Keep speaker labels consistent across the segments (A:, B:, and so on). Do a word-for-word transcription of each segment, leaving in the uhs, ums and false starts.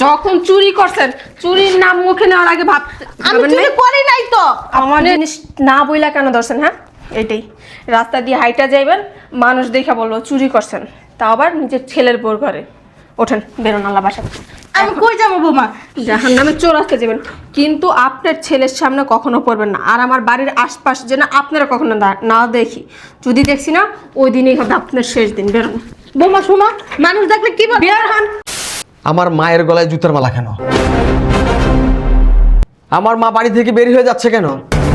A: যখন চুরি করছেন চুরির নাম মুখে নেওয়ার আগে ভাবতে
B: আমি চুরি করি নাই তো।
A: আমার জিনিস না বইলা কেন ধরছেন? হ্যাঁ, এটাই রাস্তা দিয়ে হাইটা যাইবেন, মানুষ দেখা বলবো চুরি করছেন, তা আবার নিজের ছেলের বোর ঘরে। ওঠেন, বেরোন আল্লাহ বাসা।
B: আমি কই যাবো বৌমা?
A: জাহান নামে চোর আসতে যাবেন, কিন্তু আপনার ছেলের সামনে কখনো পড়বেন না। আর আমার বাড়ির আশপাশ যেন আপনারা কখনো না দেখি, যদি দেখছি না ওই দিনই হবে আপনার শেষ দিন। বেরোন
B: বৌমা শোনো, মানুষ দেখলে কি বলবে?
A: বের হন।
C: আমার মায়ের গলায় জুতার মালা কেন? আমার মা বাড়ি থেকে বের হয়ে যাচ্ছে কেন?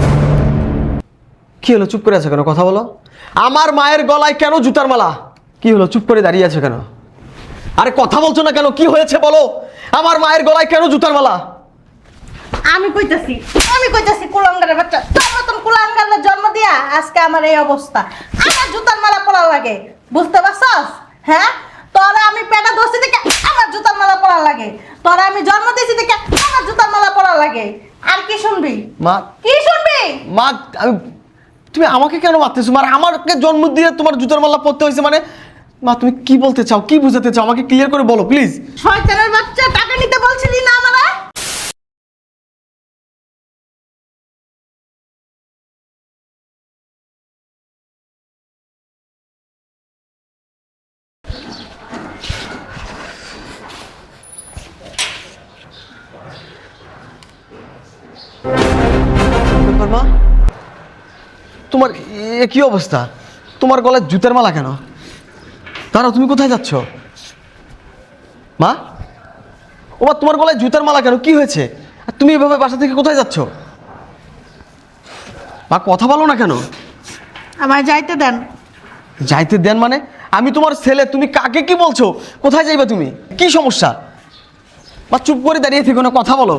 C: কি হলো, চুপ করে আছে কেন? কথা বলো। আমার মায়ের গলায় কেন জুতার মালা? কি হলো, চুপ করে দাঁড়িয়ে আছে কেন? আরে কথা বলছো না কেন? কি হয়েছে বলো। আমার মায়ের গলায় কেন জুতার মালা?
B: আমি কইতাছি আমি কইতাছি কুলাঙ্গারের বাচ্চা, তোর মতন কুলাঙ্গারের জন্ম দিয়া আজকে আমার এই অবস্থা। আমার জুতার মালা পরা লাগে, বুঝতে পারছস? হ্যাঁ, তোরা আমি পেটা ধরছি থেকে আমার জুতার মালা পরা লাগে, তোরা আমি জন্ম দিয়েছি থেকে আমার জুতার মালা পরা লাগে। আর কি শুনবি
C: মা?
B: কি শুনবি?
C: মা, আমি তুমি আমাকে কেন মারতেছো? মানে আমাকে জন্ম দিয়ে তোমার জুতার মালা পরতে হয়েছে মানে? মা তুমি কি বলতে চাও, কি বুঝাতে চাও? আমাকে ক্লিয়ার করে বলো প্লিজ।
B: শয়তানের বাচ্চা, টাকা নিতে বলছিলি না আমারে?
C: ব্যাপার মা, তোমার এ কি অবস্থা? তোমার গলায় জুতার মালা কেন? দাঁড়াও, তুমি কোথায় যাচ্ছ মা? ও মা, তোমার গলায় জুতার মালা কেন? কি হয়েছে? আর তুমি এভাবে বাসা থেকে কোথায় যাচ্ছ? মা কথা বলো না কেন?
B: আমায় যাইতে দেন।
C: যাইতে দেন মানে? আমি তোমার ছেলে, তুমি কাকে কি বলছো? কোথায় যাইবা তুমি? কি সমস্যা? মা চুপ করে দাঁড়িয়ে থেকো না, কথা বলো।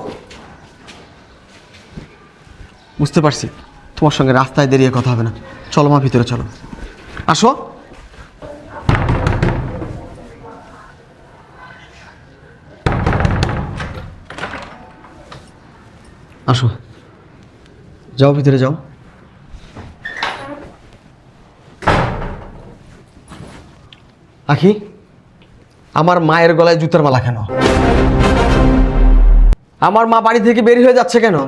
C: বুঝতে পারছি তোমার সঙ্গে রাস্তায় দাঁড়িয়ে কথা হবে না। চলো মা, ভিতরে চলো, আসো। আসো, যাও ভিতরে যাও। আখি, আমার মায়ের গলায় জুতার মালা কেন? আমার মা বাড়ি থেকে বের হয়ে যাচ্ছে কেন?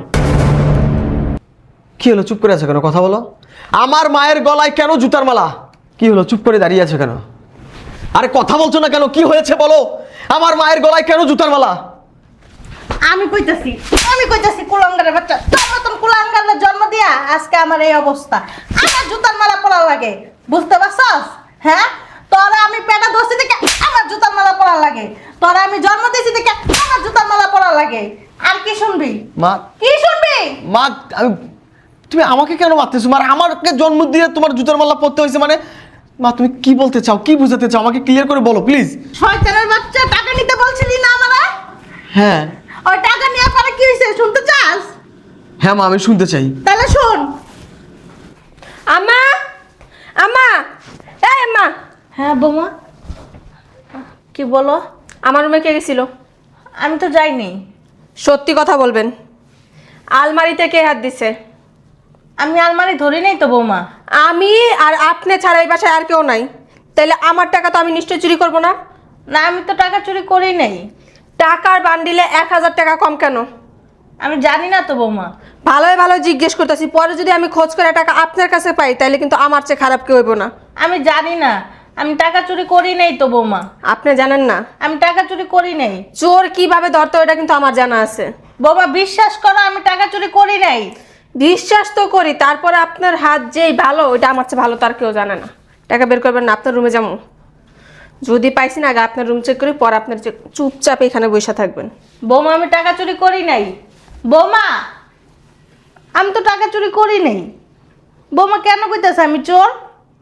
C: কি হলো, চুপ করে আছে কেন? কথা বলো। আমার মায়ের গলায় কেন জুতার মালা? কি হলো, চুপ করে দাঁড়িয়ে আছে কেন? আরে কথা বলছো না কেন? কি হয়েছে বলো। আমার মায়ের গলায় কেন জুতার মালা?
B: আমি কইতাছি আমি কইতাছি কুলাঙ্গারের বাচ্চা, তোর মতন কুলাঙ্গারের জন্ম দিয়া আজকে আমার এই অবস্থা। আমার জুতার মালা পরা লাগে, বুঝতে পারছস? হ্যাঁ, তোরা আমি পেটা ধরছি থেকে আমার জুতার মালা পরা লাগে, তোরা আমি জন্ম দিয়েছি থেকে আমার জুতার মালা পরা লাগে। আর কি শুনবি
C: মা?
B: কি শুনবি?
C: মা, আমি তুমি আমাকে কেন মারতেছো? মানে আমাকে জন্ম দিয়ে তোমার জুতার মালা পরতে হয়েছে মানে? মা তুমি কি বলতে চাও, কি বুঝাতে চাও? আমাকে ক্লিয়ার করে বলো প্লিজ।
B: শয়তানের বাচ্চা, টাকা নিতে বলছিলি না আমারে?
C: হ্যাঁ
B: ওই টাকা নেওয়ার পরে কি হয়েছে শুনতে চাস?
C: হ্যাঁ মা, আমি শুনতে চাই।
B: তাহলে শোন।
A: আম্মা, আম্মা, এই আম্মা।
B: হ্যাঁ বৌমা, কি বলো?
A: আমার রুমে কে গেছিল?
B: আমি তো যাইনি।
A: সত্যি কথা বলবেন, আলমারিতে কে হাত দিছে?
B: আমি আলমারি ধরি নাই তো বৌমা।
A: আমি আর আপনি ছাড়া এই বাসায় আর কেউ নাই, তাহলে আমার টাকা তো আমি নিশ্চয় চুরি করব না?
B: না, আমি তো টাকা চুরি করি নাই।
A: টাকার বান্ডিলে এক হাজার টাকা কম কেন?
B: আমি জানি না তো বৌমা।
A: ভালোই ভালো জিজ্ঞেস করতেছি, পরে যদি আমি খোঁজ করে টাকা আপনার কাছে পাই তাহলে কিন্তু আমার চেয়ে খারাপ কেউ হইব না।
B: আমি জানি না, আমি টাকা চুরি করি নাই তো বৌমা।
A: আপনি জানেন না
B: আমি টাকা চুরি করি নাই।
A: চোর কিভাবে ধরতে হয় এটা কিন্তু আমার জানা আছে।
B: বৌমা বিশ্বাস করো, আমি টাকা চুরি করি নাই।
A: বিশ্বাস তো করি, তারপরে আপনার হাত যেই ভালো ওইটা আমার চেয়ে ভালো তার কেউ জানে না। টাকা বের করবেন না, আপনার রুমে যাবো। যদি পাইছি না আগে আপনার রুম চেক করি, পর আপনার চুপচাপ এখানে বসে থাকবেন।
B: বৌমা আমি টাকা চুরি করি নাই। বৌমা আমি তো টাকা চুরি করি নাই। বৌমা কেন কইতেছে আমি চোর?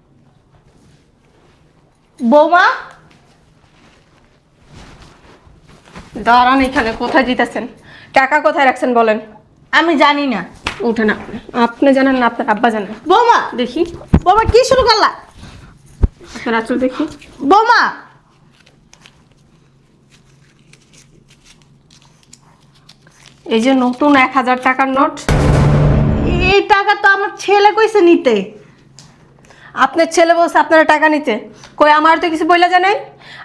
B: বৌমা
A: দাঁড়ান, এখানে কোথায় দিতেছেন? টাকা কোথায় রাখছেন বলেন।
B: আমি জানি না।
A: উঠেন আপনি। আপনি জানেন না, আপনার আব্বা জানেন।
B: বৌমা
A: দেখি
B: বৌমা কি শুরু করলা?
A: আপনার আঁচল দেখি।
B: বৌমা
A: এই যে নতুন এক হাজার টাকার নোট,
B: এই টাকা তো আমার ছেলে কইছে নিতে।
A: আপনার ছেলে বলছে আপনারা টাকা নিতে, কই আমার তো কিছু বইলা জানাই।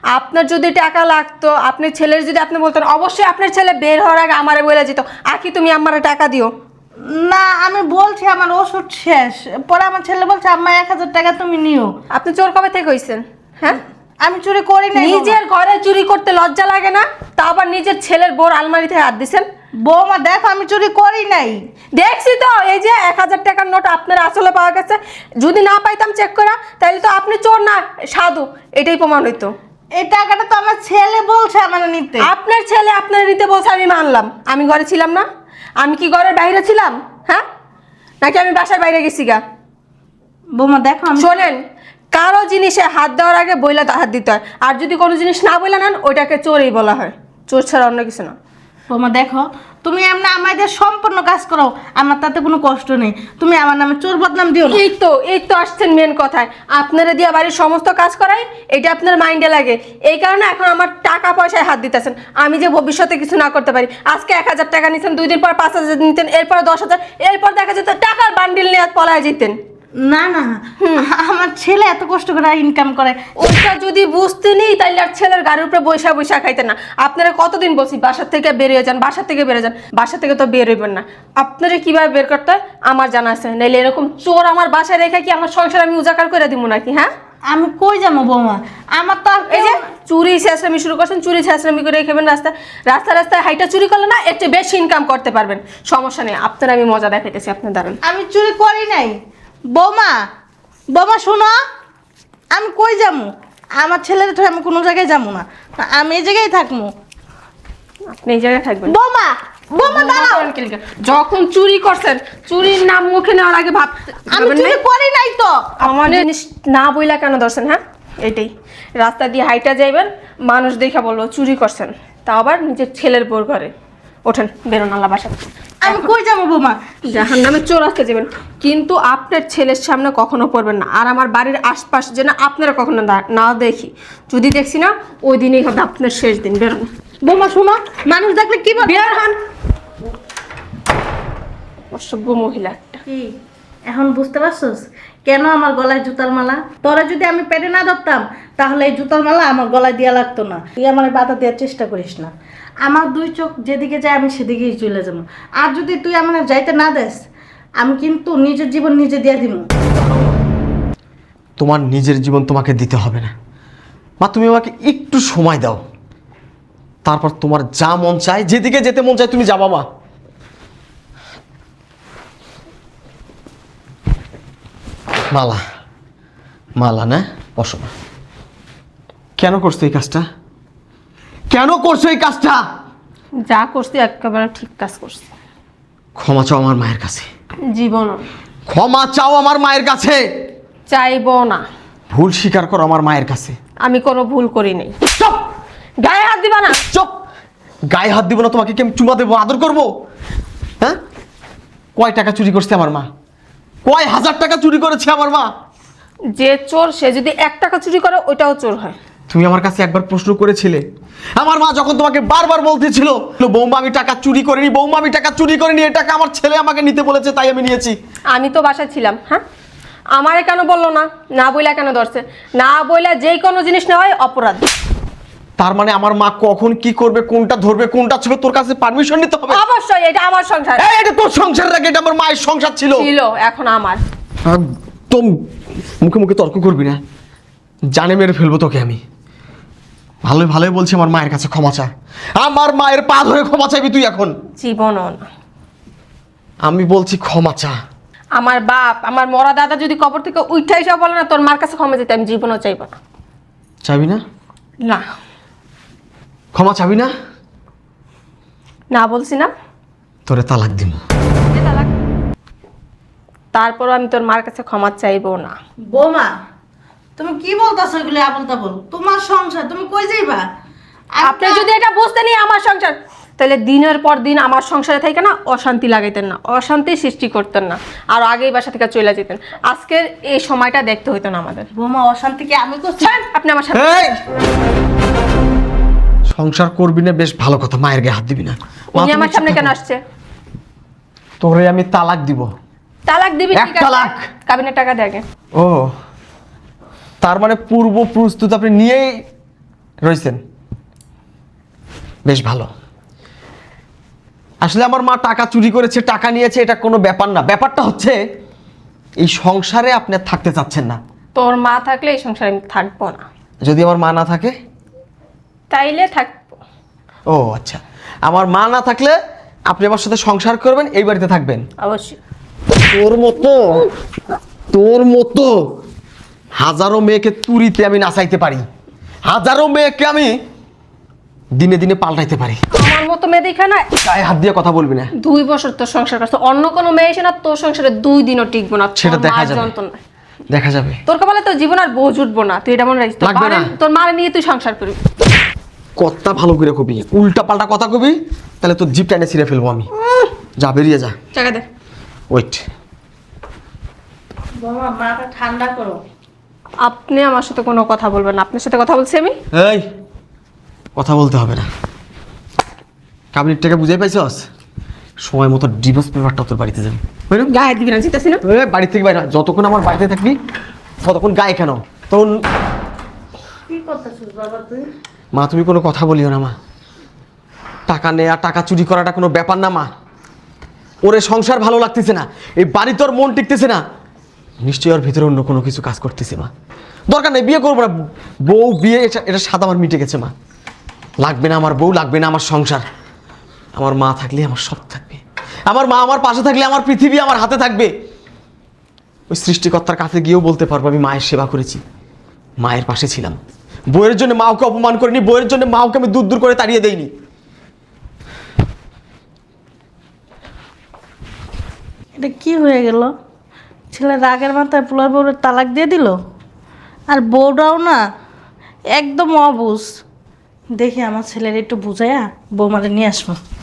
A: আপনার যদি টাকা লাগতো, আপনি ছেলের যদি আপনি বলতেন, অবশ্যই আপনার ছেলে বের হওয়ার আগে আমারে বলে যেত, আকি তুমি আমারে টাকা দিও।
B: না আমি বলছি আমার ওষুধ শেষ, পরে আমার ছেলে বলছে আম্মা এক হাজার টাকা তুমি নিও।
A: আপনি চোর কবে থেকে হইছেন? হ্যাঁ,
B: আমি চুরি করি নাই।
A: নিজের ঘরে চুরি করতে লজ্জা লাগে না? তা আবার নিজের ছেলের বোর আলমারিতে হাত দিছেন।
B: বৌমা দেখো আমি চুরি করি নাই।
A: দেখছি তো, এই যে এক হাজার টাকার নোট আপনার আসলে পাওয়া গেছে। যদি না পাইতাম চেক করা, তাহলে তো আপনি চোর না সাধু, এটাই প্রমাণ হইতো।
B: এই টাকাটা তো আমার ছেলে বলছে আমার নিতে।
A: আপনার ছেলে আপনার নিতে বলছে, আমি মানলাম। আমি ঘরে ছিলাম না? আমি কি ঘরের বাইরে ছিলাম? হ্যাঁ, নাকি আমি বাসার বাইরে গেছি গা?
B: বৌমা দেখো আমি
A: শোনেন, কারো জিনিসে হাত দেওয়ার আগে বইলা হাত দিতে হয়, আর যদি কোনো জিনিস না বইলা নেন ওইটাকে চোরই বলা হয়, চোর ছাড়া অন্য কিছু না।
B: বৌমা দেখো তুমি এমনি আমাদের সম্পূর্ণ কাজ করো, আমার তাতে কোনো কষ্ট নেই। তুমি আমার নামে চোর বদনাম দিও না।
A: এই তো এই তো আসছেন মেন কথায়। আপনারা দিয়া বাড়ির সমস্ত কাজ করাই, এটা আপনার মাইন্ডে লাগে, এই কারণে এখন আমার টাকা পয়সায় হাত দিতেছেন। আমি যে ভবিষ্যতে কিছু না করতে পারি, আজকে এক হাজার টাকা নিতেন, দুই দিন পর পাঁচ হাজার নিতেন, এরপর দশ হাজার, এরপর দেখা যেত টাকার বান্ডিল নিয়ে পলায় যেতেন।
B: না না আমার ছেলে এত কষ্ট করে ইনকাম করে।
A: ওটা যদি বুঝতে নেই তাইলে আর ছেলের গাড়ির উপরে বৈশা বৈশা খাইতেন না। আপনারা কতদিন বলছি বাসার থেকে বেরিয়ে যান, বাসা থেকে বেরিয়ে যান, বাসা থেকে তো বের হইবেন না। আপনারা কিভাবে বের করতে হয় আমার জানা আছে, নাইলে এরকম চোর আমার বাসায় রেখে কি আমার সংসার আমি উজাকার করে দিব নাকি? হ্যাঁ,
B: আমি কই যাবো বৌমা, আমার তো আর
A: এই যে চুরি ছেঁচড়ামি শুরু করছেন, চুরি ছেঁচড়ামি করে খেবেন রাস্তায়, রাস্তা রাস্তায় হাইটা চুরি করলে না একটু বেশি ইনকাম করতে পারবেন, সমস্যা নেই। আপনার আমি মজা দেখাইতেছি, আপনার দাঁড়ান।
B: আমি চুরি করি নাই। বৌমা বৌমা শোনো, আমি কই যাবো? আমার ছেলের তো আমি কোনো জায়গায় যাবো না, আমি এই জায়গায় থাকবো।
A: আপনি এই জায়গায় থাকবেন।
B: বৌমা বৌমা দাঁড়াও,
A: যখন চুরি করছেন, চুরির নাম মুখে নেওয়ার আগে ভাবতে
B: আমি
A: ভাবেন
B: চুরি
A: নাই?
B: করি নাই তো।
A: আমার জিনিস না বইলা কেন ধরছেন? হ্যাঁ, এটাই রাস্তা দিয়ে হাইটা যাইবেন, মানুষ দেখা বললো চুরি করছেন, তা আবার নিজের ছেলের বোর ঘরে। ওঠেন, বেরোন আল্লাহ বাসা।
B: আমি কই যাবো বৌমা?
A: জাহান নামে চোর আসতে যাবেন, কিন্তু আপনার ছেলের সামনে কখনো পড়বেন না। আর আমার বাড়ির আশপাশ যেন আপনারা কখনো না- না দেখি, যদি দেখছি না ওই দিনই হবে আপনার শেষ দিন। বেরোন
B: বৌমা শোনো, মানুষ দেখলে কি বলবে?
A: বের হন, অসভ্য মহিলা একটা।
B: কি এখন বুঝতে পারছস কেন আমার গলায় জুতার মালা? তোরা যদি আমি পেটে না ধরতাম তাহলে এই জুতার মালা আমার গলায় দেওয়া লাগতো না। তুই আমার বাধা দেওয়ার চেষ্টা করিস না। আমার দুই চোখ যেদিকে যায় আমি সেদিকেই চলে যাবো। আর যদি তুই আমার যাইতে না দেস, আমি কিন্তু নিজের জীবন নিজে দিয়ে দিব।
C: তোমার নিজের জীবন তোমাকে দিতে হবে না মা, তুমি আমাকে একটু সময় দাও, তারপর তোমার যা মন চায়, যেদিকে যেতে মন চায় তুমি যাবা মা। মালা মালা না, বসো না। কেন করছো এই কাজটা? কেন করছো এই কাজটা?
A: যা করছি একেবারে ঠিক কাজ করছি।
C: ক্ষমা চাও আমার মায়ের কাছে,
A: জীবন
C: ক্ষমা চাও আমার মায়ের কাছে,
A: চাইবো না।
C: ভুল স্বীকার করো আমার মায়ের কাছে।
A: আমি কোনো ভুল করি নাই।
C: চুপ
A: গায়ে হাত দিবা না।
C: চুপ, গায়ে হাত দিব না, তোমাকে কি আমি চুমা দেবো, আদর করবো? হ্যাঁ, কয় টাকা চুরি করছে আমার মা? কয় হাজার টাকা চুরি করেছে আমার মা?
A: যে চোর সে যদি এক টাকা চুরি করে ওইটাও চোর হয়।
C: তুমি আমার কাছে একবার প্রশ্ন করেছিলে? আমার মা যখন তোমাকে বারবার বলতেছিল বৌমা আমি টাকা চুরি করিনি, বৌমা আমি টাকা চুরি করিনি, এই টাকা আমার ছেলে আমাকে নিতে বলেছে তাই আমি নিয়েছি।
A: আমি তো বাসায় ছিলাম। হ্যাঁ, আমারে কেন বললো না? না বইলা কেন ধরছে? না বইলা যেই কোনো জিনিস নেওয়া হয় অপরাধ।
C: তার মানে আমার মা কখন কি করবে, কোনটা ধরবে কোনটা ছুবে, তোর কাছে পারমিশন নিতে হবে?
A: অবশ্যই, এটা আমার সংসার
C: এই, এটা তোর সংসার রাখে, এটা আমার মায়ের সংসার ছিল
A: ছিল, এখন আমার।
C: একদম মুখে মুখে তর্ক করবি না, জানে মেরে ফেলবো তোকে আমি। ভালোই ভালোই বলছি, আমার মায়ের কাছে ক্ষমা চা, আমার মায়ের পা ধরে ক্ষমা চাইবি তুই এখন।
A: জীবনও না।
C: আমি বলছি ক্ষমা চা।
A: আমার বাপ, আমার মরা দাদা যদি কবর থেকে উঠে এসে বলে না তোর মার কাছে ক্ষমা যেতে, আমি জীবনও চাইবো না।
C: চাবি না?
A: না,
C: ক্ষমা চাবি না?
A: না বলছি না?
C: তোরে তালাক দিব।
A: দে তালাক। তারপরও আমি তোর মার কাছে ক্ষমা চাইবো না।
B: বৌমা তুমি কি বলতেছো এগুলো আবল তাবল? তোমার সংসার, তুমি কই যাইবা?
A: আপনি যদি এটা বুঝতেন আমার সংসার, তাহলে দিনের পর দিন আমার সংসারে থেকে না অশান্তি লাগাইতেন না, অশান্তি সৃষ্টি করতেন না, আর আগেই বাসা থেকে চলে যেতেন। আজকের এই সময়টা দেখতে হইতো না আমাদের।
B: বৌমা অশান্তি কি আমি করছি?
A: ছাড়েন, আপনি আমার সাথে
C: এই! সংসার করবি না বেশ ভালো কথা, মায়ের গায়ে হাত দিবি না। মা,
A: উনি
C: তুমি
A: আমার
C: চুপ
A: সামনে কেন
C: থাকো।
A: আসছে?
C: তোরে আমি তালাক দিব।
A: তালাক দিবি?
C: এক
A: ঠিক আছে,
C: তালাক।
A: কাবিনের টাকা দে আগে।
C: ও, তার মানে পূর্ব প্রস্তুত আপনি নিয়েই রয়েছেন, বেশ ভালো। আসলে আমার মা টাকা চুরি করেছে, টাকা নিয়েছে, এটা কোনো ব্যাপার না। ব্যাপারটা হচ্ছে এই সংসারে আপনি আর থাকতে চাচ্ছেন না।
A: তোর মা থাকলে এই সংসারে আমি থাকবো না।
C: যদি আমার মা না থাকে?
A: তাইলে থাকবো।
C: ও আচ্ছা, আমার মা না থাকলে আপনি আমার সাথে সংসার করবেন, এই বাড়িতে থাকবেন?
A: অবশ্যই।
C: তোর মতো তোর মতো হাজারো মেয়েকে তুরিতে আমি নাচাইতে পারি, হাজারো মেয়েকে আমি দিনে দিনে পাল্টাইতে পারি।
A: আমার মতো মেয়ে দেখা না,
C: গায়ে হাত দিয়ে কথা বলবি না।
A: দুই বছর তোর সংসার করছে, অন্য কোনো মেয়ে এসে না তোর সংসারে দুই দিনও টিকবো না। তোর
C: সেটা দেখা
A: মার
C: যাবে।
A: যন্ত্রণায়।
C: দেখা যাবে।
A: তোর কপালে তোর জীবন আর বোঝ উঠবো না, তুই এটা মনে রাখিস। তোর
C: লাগবে না।
A: মারে- তোর মারে নিয়ে তুই সংসার করবি।
C: কথা ভালো করে কবি, উল্টা পাল্টা কথা কবি তাহলে তোর জিপ টাইনে ছিঁড়ে ফেলবো আমি। যা বেরিয়ে যা।
A: টাকা দে।
C: ওয়েট।
B: বাবা মাথা ঠান্ডা করো।
A: আপনি আমার সাথে কোনো কথা বলবেন না। আপনার সাথে কথা বলছি আমি।
C: এই কথা বলতে হবে না। কাবিনের টাকা বুঝাই পাইছস? সময় মতো ডিভোর্স পেপারটা তোর বাড়িতে যাবে। বুঝলি?
A: গায়ে দিবি না, জিতাসি না।
C: এ, বাড়ি থেকে বাইরে হ। যতক্ষণ আমার বাড়িতে থাকবি ততক্ষণ গায়ে কেন? তখন
B: কি করতেছিস বাবা তুই?
C: মা তুমি কোনো কথা বলিও না মা। টাকা নেয়া, টাকা চুরি করাটা কোনো ব্যাপার না মা। ওরে সংসার ভালো লাগতেছে না, এই বাড়ি তোর মন টিকতেছে না, নিশ্চয়ই ওর ভিতরে অন্য কোনো কিছু কাজ করতেছে মা। দরকার নেই, বিয়ে করবো না। বউ বিয়ে, এটা এটা স্বাদ আমার মিটে গেছে মা। লাগবে না আমার বউ, লাগবে না আমার সংসার। আমার মা থাকলে আমার সব থাকবে। আমার মা আমার পাশে থাকলে আমার পৃথিবী আমার হাতে থাকবে। ওই সৃষ্টিকর্তার কাছে গিয়েও বলতে পারবো আমি মায়ের সেবা করেছি, মায়ের পাশে ছিলাম। বইয়ের জন্য মাওকে অপমান করিনি, বইয়ের জন্য মাওকে আমি দূর দূর করে তাড়িয়ে দেইনি।
B: এটা কি হয়ে গেল? ছেলে রাগের মাথায় পোলার বউরের তালাক দিয়ে দিল, আর বউটাও না একদম অবুঝ। দেখি আমার ছেলের একটু বুঝাইয়া বৌমারে নিয়ে আসবো।